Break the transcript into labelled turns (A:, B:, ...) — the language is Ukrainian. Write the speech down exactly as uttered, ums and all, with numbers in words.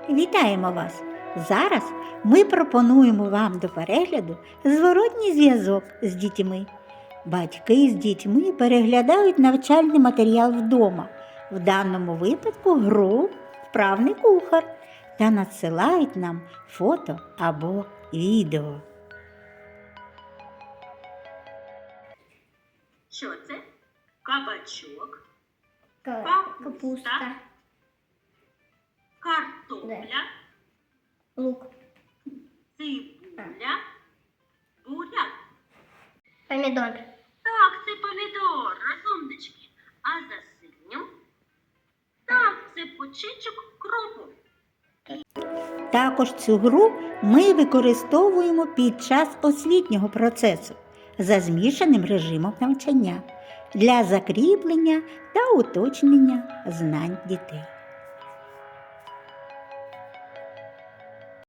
A: Вітаємо вас! Зараз ми пропонуємо вам до перегляду зворотній зв'язок з дітьми. Батьки з дітьми переглядають навчальний матеріал вдома, в даному випадку гру «Вправний кухар», та надсилають нам фото або відео.
B: Що це? Кабачок,
C: Капуста,
B: капуста, картопля,
C: лук,
B: цибуля, буряк.
C: помідор,
B: Так, це помідор, розумнички. А за синім? Так, це почечок кропу.
A: Також цю гру ми використовуємо під час освітнього процесу за змішаним режимом навчання для закріплення та уточнення знань дітей.